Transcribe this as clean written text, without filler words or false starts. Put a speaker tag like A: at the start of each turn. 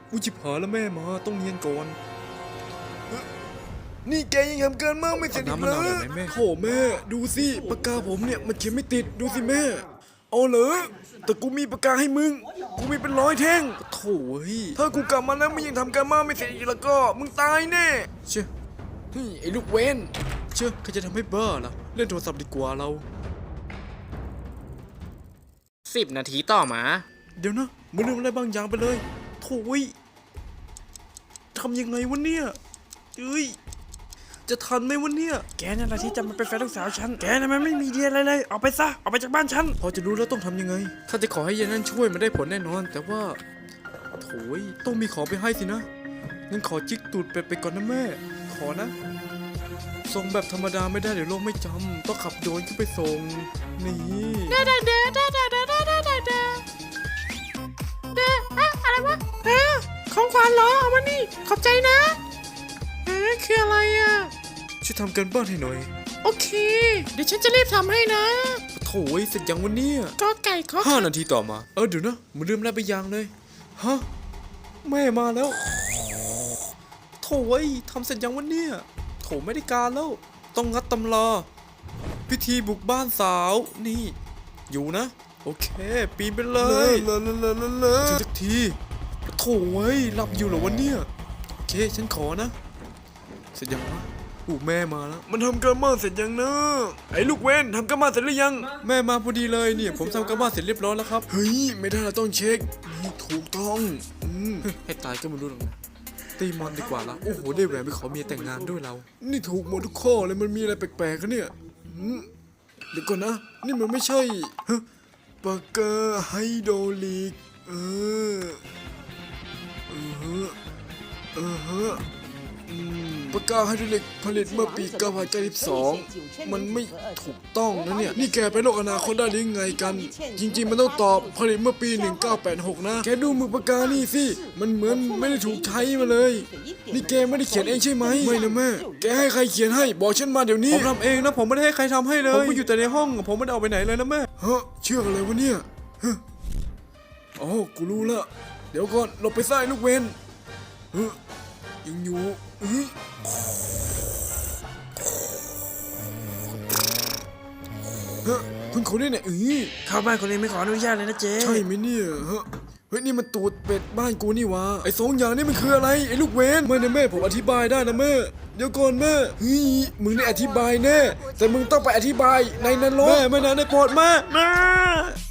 A: อุจิบหายแล้วแม่มาต้องเนียนก่อนนี่แกยังทำเกินมากไม่เสร็จอีกเลยโถ่แม่ดูสิปากกาผมเนี่ยมันเขียนไม่ติดดูสิแม่เอาเหรอแต่กูมีปากกาให้มึงกูมีเป็น100 แท่งโถ่ถ้ากูกลับมาแล้วมึงยังทำการบ้านไม่เสร็จอีกแล้วก็มึงตายแน่เชื่อไอ้ลูกเวนเชื่อใครจะทำให้บ้าล่ะเล่นโทรศัพท์ดีกว่าเรา
B: 10 นาทีต่อมา
A: เดี๋ยวนะมึงลืมอะไรบางอย่างไปเลยโถ่ทำยังไงวะเนี่ยจะทันไหมวะเนี่ยแกนั่นแหละที่จะมาเป็นแฟนลูกสาวฉันแกน่ะมันไม่มีเดียอะไรเลยออกไปซะออกไปจากบ้านฉันพอจะรู้แล้วต้องทำยังไงถ้าจะขอให้ยายนั่นช่วยมันได้ผลแน่นอนแต่ว่าโถ่ต้องมีของไปให้สินะงั้นขอจิกตูดเป็ดไปก่อนนะแม่ขอนะส่งแบบธรรมดาไม่ได้เดี๋ยวโลกไม่จำต้องขับโดรนขึ้นไปส่งนี่
C: อะไรวะของขวัญเหรอเอามานี่ขอบใจนะคืออะไรอ่ะ
A: ช่วยทำกันบ้านให้หน่อย
C: โอเคเดี๋ยวฉันจะรีบทำให้นะ
A: โถ่เสร็จยังวันนี้
C: ก็ไก่ขอ
A: 5 นาทีต่อมาเดี๋ยวนะมันลืมอะไรไปอย่างเลยฮะแม่มาแล้วโถ่ทำเสร็จยังวันนี้โถ่ไม่ได้การแล้วต้องงัดตำราพิธีบุกบ้านสาวนี่อยู่นะโอเคปีนไปเลยถึงสักทีโถ่หลับอยู่เหรอวันนี้โอเคฉันขอนะเสร็จยังวะแม่มาแล้วมันทำการบ้านเสร็จยังนะไอ้ลูกเว้นทำการบ้านเสร็จหรือยังแม่มาพอดีเลยเนี่ยผมทำการบ้านเสร็จเรียบร้อยแล้วครับเฮ้ยไม่ได้เราต้องเช็คนี่ถูกต้องให้ตายก็ไม่รู้หรอกนะตีมอนดีกว่าละโอ้โหได้แหวนไปขอเมียแต่งงานด้วยเรานี่ถูกหมดทุกข้อเลยมันมีอะไรแปลกๆกันเนี่ยเดี๋ยวก่อนนะนี่มันไม่ใช่ปากกาไฮโดรลิกปากกาไฮโดรลิกผลิตเมื่อปี1992มันไม่ถูกต้องนะเนี่ยนี่แกไปโลกอนาคตได้หรือไงกันจริงๆมันต้องตอบผลิตเมื่อปี1986นะแกดูมือปากกานี่สิมันเหมือนไม่ได้ถูกใช้มาเลยนี่แกไม่ได้เขียนเองใช่ไหมไม่นะแม่แกให้ใครเขียนให้บอกฉันมาเดี๋ยวนี้ผมทำเองนะผมไม่ได้ให้ใครทำให้เลยผมอยู่แต่ในห้องผมไม่ได้ออกไปไหนเลยนะแม่เชื่ออะไรวะเนี่ยอ๋อกูรู้ละเดี๋ยวก่อนหลบไปซ้ายลูกเวนยังอยู่คุณคนนี้เนี่ย
C: เข้าบ้านคนเองไม่ขออนุญาตเลยนะเจ๊
A: ใช่ไหมเนี่ยเฮ้ยนี่มันตูดเป็ดบ้านกูนี่วะไอ้2 อย่างนี่มันคืออะไรไอ้ลูกเวนไม่นะแม่ผมอธิบายได้นะแม่เดี๋ยวก่อนแม่มึงได้อธิบายแน่แต่มึงต้องไปอธิบายในนรกแม่ไม่นะในโปรดแม่